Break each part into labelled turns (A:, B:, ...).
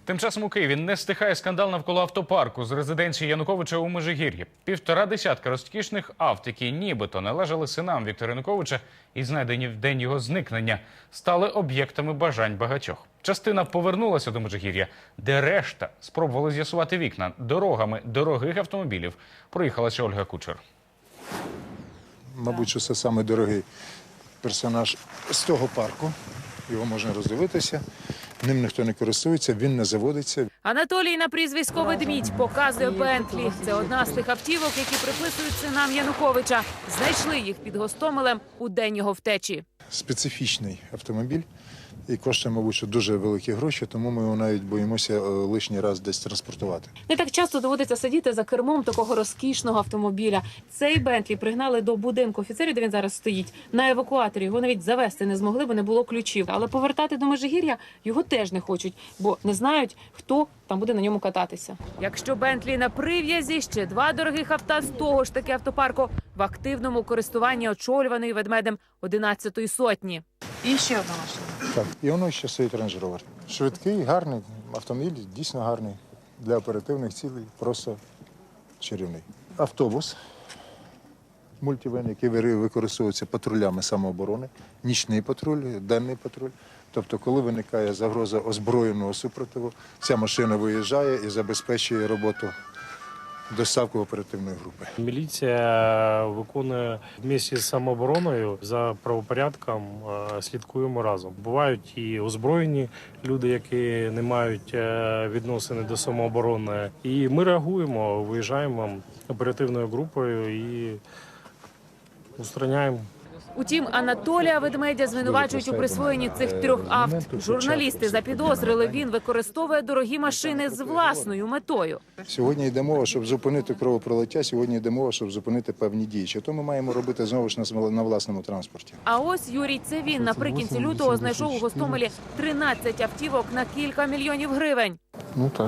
A: Тим часом у Києві не стихає скандал навколо автопарку з резиденції Януковича у Межигір'ї. 1,5 десятка розкішних авт, які нібито належали синам Віктора Януковича і знайдені в день його зникнення, стали об'єктами бажань багатьох. Частина повернулася до Межигір'я, де решта спробували з'ясувати вікна. Дорогами дорогих автомобілів проїхалася Ольга Кучер.
B: Мабуть, що це саме дорогий персонаж з того парку. Його можна роздивитися, ним ніхто не користується, він не заводиться.
C: Анатолій на прізвисько «Ведмідь» показує Бентлі. Це одна з тих автівок, які приписують синам Януковича. Знайшли їх під Гостомелем у день його втечі.
B: Специфічний автомобіль і коштує, мабуть, що дуже великі гроші, тому ми його навіть боїмося лишній раз десь транспортувати.
C: Не так часто доводиться сидіти за кермом такого розкішного автомобіля. Цей Бентлі пригнали до будинку офіцерів, де він зараз стоїть, на евакуаторі. Його навіть завести не змогли, бо не було ключів. Але повертати до Межигір'я його теж не хочуть, бо не знають, хто там буде на ньому кататися. Якщо Бентлі на прив'язі, ще два дорогих авто з того ж таки автопарку в активному користуванні очолюваної Ведмедем 11-ї сотні.
D: І ще одна машина.
B: Так, і воно ще стоїть Range Rover. Швидкий, гарний автомобіль, дійсно гарний. Для оперативних цілей просто чарівний. Автобус, мультивен, який використовується патрулями самооборони, нічний патруль, денний патруль. Тобто, коли виникає загроза озброєного супротиву, ця машина виїжджає і забезпечує роботу доставку оперативної групи.
E: Міліція виконує вместе з самообороною за правопорядком, слідкуємо разом. Бувають і озброєні люди, які не мають відносини до самооборони. І ми реагуємо, виїжджаємо оперативною групою і устраняємо.
C: Утім, Анатолія Ведмедя звинувачують у присвоєнні цих трьох авт. Журналісти запідозрили, він використовує дорогі машини з власною метою.
B: Сьогодні йде мова, щоб зупинити кровопролиття, сьогодні йде мова, щоб зупинити певні дії. Що то ми маємо робити знову ж на власному транспорті.
C: А ось Юрій Цевін наприкінці лютого знайшов у Гостомелі 13 автівок на кілька мільйонів гривень.
B: Ну так,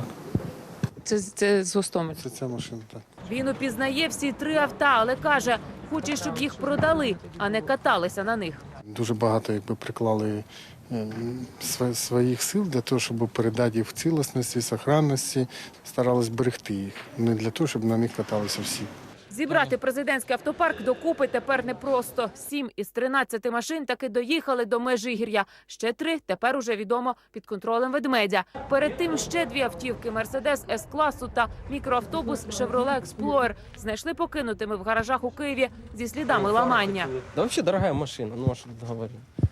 C: Це з Гостомеля.
B: це ця машина, так.
C: Він упізнає всі три авто, але каже, хоче, щоб їх продали, а не каталися на них.
F: Дуже багато приклали своїх сил для того, щоб передати їх в цілісності, сохранності, старались берегти їх. Не для того, щоб на них каталися всі.
C: Зібрати президентський автопарк докупи тепер непросто. 7 із 13 машин таки доїхали до Межигір'я. Ще 3 тепер уже відомо під контролем Ведмедя. Перед тим ще 2 автівки – Мерседес С-класу та мікроавтобус Шевроле Експлоер знайшли покинутими в гаражах у Києві зі слідами ламання.
G: Да вообще дорогая машина, ну а что тут говорить.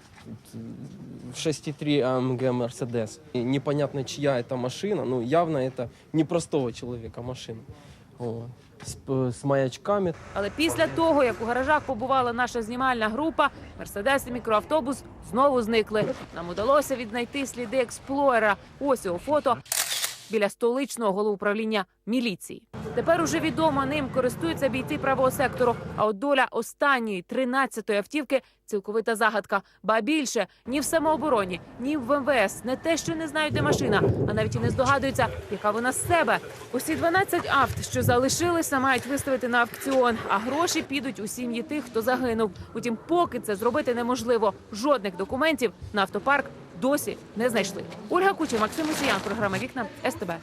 G: 6,3 AMG Mercedes. И непонятно, чья это машина, ну явно это не простого человека машина. Вот. С маячками.
C: Але після того, як у гаражах побувала наша знімальна група, Мерседес і мікроавтобус знову зникли. Нам удалося віднайти сліди Експлоера. Ось його фото біля столичного головуправління міліції. Тепер уже відомо, ним користуються бійці правого сектору. А от доля останньої 13-ї автівки – цілковита загадка. Ба більше, ні в самообороні, ні в МВС не те, що не знають, де машина, а навіть і не здогадуються, яка вона з себе. Усі 12 авт, що залишилися, мають виставити на аукціон, а гроші підуть у сім'ї тих, хто загинув. Утім, поки це зробити неможливо. Жодних документів на автопарк досі не знайшли. Ольга Кучер, Максим Мусіян, програма «Вікна», СТБ.